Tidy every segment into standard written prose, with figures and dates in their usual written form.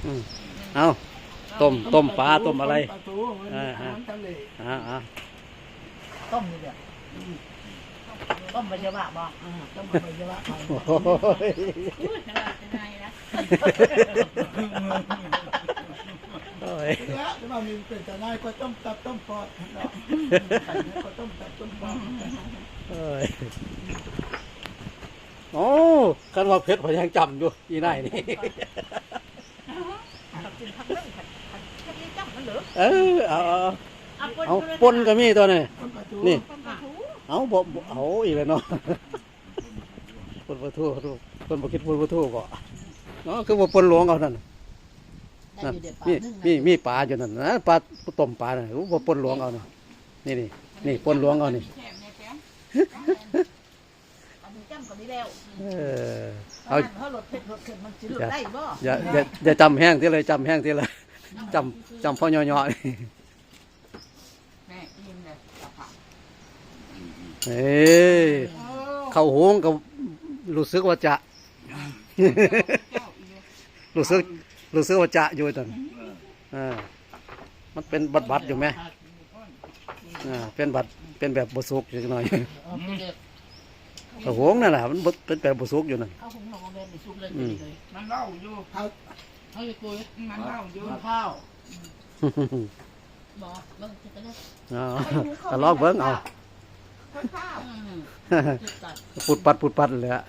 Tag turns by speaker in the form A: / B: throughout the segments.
A: เอาต้มปลาต้มอะไร
B: ปลาทูอาหารทะเล
C: ต้มนี่เดียวต้มใบชะบะบ่ต้มใบชะบะไป
A: โอ้ย
D: พูดนะว่าจะไงนะ
A: โอ้ย
B: แล้วที่ว่ามีเป็นแต่นายก็ต้มตับต้มปอดเนาะก็ต้มตับต้มปอด
A: โอ้ยโอ้กันว่าเพชรพยังจำอยู่อีนายนี่
C: กินผักนึ่งผัดแค่นี้จับมันเหลือ
A: เอาปนก็มีตัวนี้
B: ต้มปลาทู
A: นี่
C: ต้มปลาทู
A: เอาเอาอีกแล้วเนาะปนปลาทูปนปลาคิดปนปลาทูบ่เนาะคือว่าปนหลวงเอานั่น
C: ได้อยู่เดี๋ยวปลา
A: นี่
C: นึ่ง
A: มีปลาอยู่นั่นนะปลาต้มปลาน่ะว่าปนหลวงเอานี่ปนหลวงเอานี่
D: แถมเนี่ยแถม
C: อันนี้จ้ำก็ได้แล้ว
A: เอา
C: เขาหลดเผ็ดหลดเผ็ดมันจะหลดได้บ่
A: อย่าจำแห้งที่เลยจำแห้งที่เลยจำพ่อย่อๆนี่
D: แม่ยิ้มเลยกระเพรา
A: เอ้ยเข้าหงก็รู้สึกว่าจะ
D: เจ้าอีก
A: รู้สึกว่าจะอยู่ตอนมันเป็นบัดอยู่ไหมเป็นบัดเป็นแบบบสุกอยู่หน่อยเข้าหงนั่นแหละมันเป็นแบบบสุกอยู่นั่น
C: เอาหุงหนองแบบนี้ซุปเลยเลย
D: มันเล่าอยู่
C: เอาอยู่ตัว
D: มันเล่าอยู่
C: ข้าวบ่เบิ่งจะได้
A: ก็ลอกเบิ้งเอา
C: ข้าว
A: ปุดปัดเลยอะ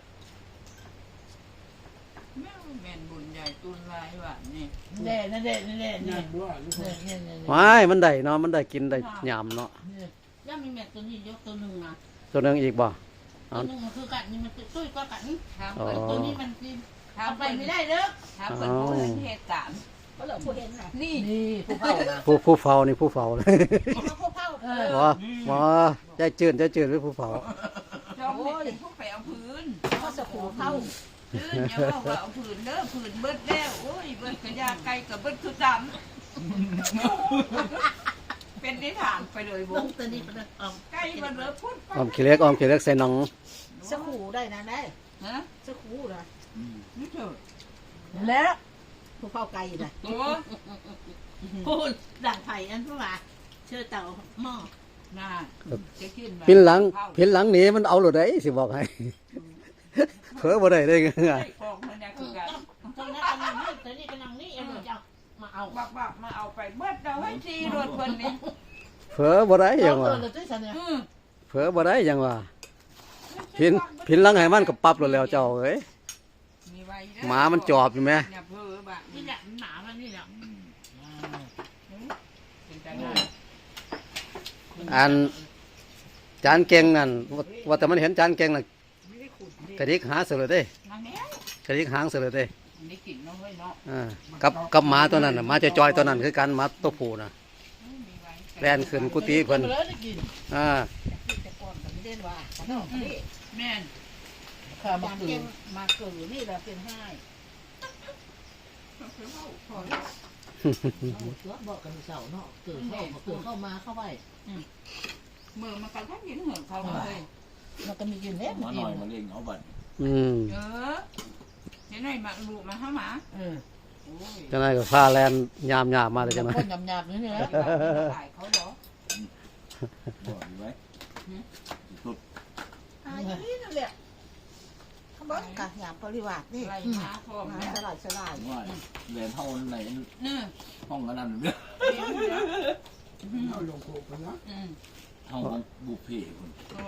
D: แม่แม่นบุญใหญ่ตุนลายว่ะนี่
C: เน่นั่นเน่นี่
B: น่าด้วย
A: ไม่มันได้เนาะมันได้กินได้ยำเนาะ
C: ย่ามีแม่ตัวนี้ยกตัวหนึ่งนะ
A: ตัวนึงอีกบ่
C: ตัวหนึ่งมันคือกันนี่มันตุ้ยก็กัน
D: ทำเป็น
C: ตัวนี้มันกิน
D: ทำ
C: ทำ
D: ไป
C: ไป
D: ไม่
C: ไม่
D: ได้
C: ได้เด้อ
D: ทำเป็นผู้เห็นเหตุการณ์
C: ก็เหลือผู้เห็นน่ะ
D: นี่
C: นี่ผู้เฝ้านะ
A: ผู้เฝ้านี่ผู้เฝ้าเลย
C: ผู้เฝ้า
A: ว่าใจจืดเป็นผู้เฝ้า
D: เจ้าเป็นผู้ไปเอาพื้น
C: เขาสกูเฝ้า
D: พื้นอย่าว่าเอาพื้นเด้อพื้นเบิดแล้วโอ้ยเบิดกระยาไก่กับเบิดคือดำเป็นได้ถามไปเลย
C: ล
D: บุ้
C: ง
D: ง
C: ตัวนี้เป็น
D: ไก่มันเหลือพุ่น
A: ออมขี้เล็กใส่หนัง
C: สกูได้นะได้
D: ฮะ
C: สกูนะ
D: นี่เถอะ
C: แล้วผู้เฝ้าไก่นะ
D: ตัว
C: พูดด่างไผ่อันเพราะว่าเชื่อเต่าหม้อ
D: น่าจะขึ้น
A: พินหลังหนีมันเอาหรือไดสิบอกให้เผลอบ่ได้ได้ไง
D: ของมันเนี่ยคือกัน
C: ตรงนั้นกำลังนี่ตอนนี้กำลังนี่เอ็มจะมาเอา
D: บักมาเอาไปเบิดเราให้ทีรถเพิ่นนี่
A: เผลอบ่ได้ยัง
C: เอ
A: ว่า
C: อเลยด้วยฉันเนี่ย
A: เผลอบ่ได้ยังว่าพินหลังให้มันก็ปรับแล้วเจ้าเอ้ยหมามันจอบอยู่ไหม
D: อย่าเพ้อบัก
C: นี่แหละหนามันนี่แหละ
D: เป็นจังไง
A: อันจานเก่งนั่นว่าแต่มันเห็นจานเก่งน่ะ
C: ไม่ได้ขุด
A: กระดิกหาเสือเลยเด้
D: นั่งแน่
A: กระดิกหางเสือเลยเด้
D: ได้กินเนาะเฮ้ยเนาะ
A: กับหมาตัวนั้นน่ะหมาจอยๆตัวนั้นคือกันหมาตัวผู้น่ะแล่นขึ้นกุฏิเพิ่น
C: เลยได้กิน แต่ก่อนแต่ไม่ได้ว่าขนมนี่
D: แม่น
C: ข้ามาเกิดมาเกิดนี่เราเป็นให้บอกกันเสาเนาะเกิดเข้ามาเข้าไป
D: มือมันกระทั่งยินเหินเขาเลย
C: มันก็มีกินเล็บ
E: มาหน่อยมาเล่งเอาบัตร
D: เออเห็นไหมมาลูกมาเข้ามาโอ้ย
A: จังไดก็พาแลนยามมาเลยจังได
C: คนหยาบๆนี่นะ
D: ขายเขาเหรอ
E: บอกอยู่ไว้สุด
C: อย่างนี้นั่นแหละเขาบอกกับหยาบปริวาสนี่
D: ไรมาพร้อมนะ
C: สลายสลาย
E: ว่าเหรียญเท่าไหน
D: เนื้อ
E: ห้องกันนั่นเนี่ย
B: เอาลงโขกไปนะ
E: ห้องของบุพเพคน
D: ตัว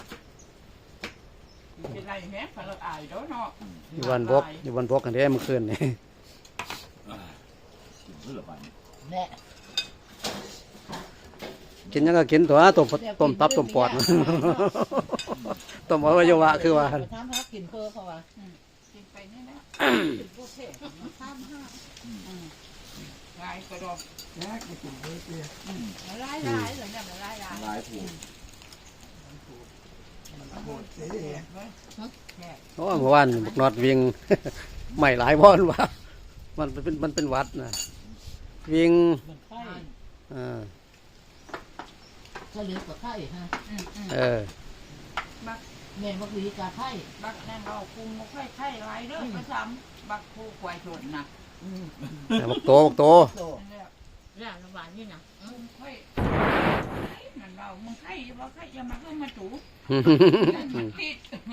D: เป็นไรแม่ฝรั่งอายแล้วเนาะ
A: อยู่วันบกกันเด้เมื่อคืนนี่
E: กินเพื่อไป
C: แน่
A: กินยังก็กินตัวต้มตับต้มปอด ต้มอวัยวะคือว่า
C: ไปทำฮักกินเพื่อเขาว่า
D: กินไปนี่นะ
C: พวกเทพทำฮัก
D: ลายกระดอง
B: แยกไปกินเลยเนี่ย
D: ลายเหรือเนี่ยลาย
E: ลายผูก
B: โหดเสีย
A: โอ้เมื่อวานบักนอดวิ่ง ไม่หลายบ่อนว่ามันเป็นวัดนะวิ่ง
C: มันไข่ ก็เลี้ยงกับไข่ฮะ แม่บักวีกาไข่
D: บักนั่นเอาคุมไข่ลายเด้อมาซ้ำบักผู้ควายชนนะ
A: บักโตบักโต
B: โต
C: แล้วระหว่างนี่นะ
D: มึงค่อยนั่นเรามึงใครว่าใครจะมาเข้ามาถูติด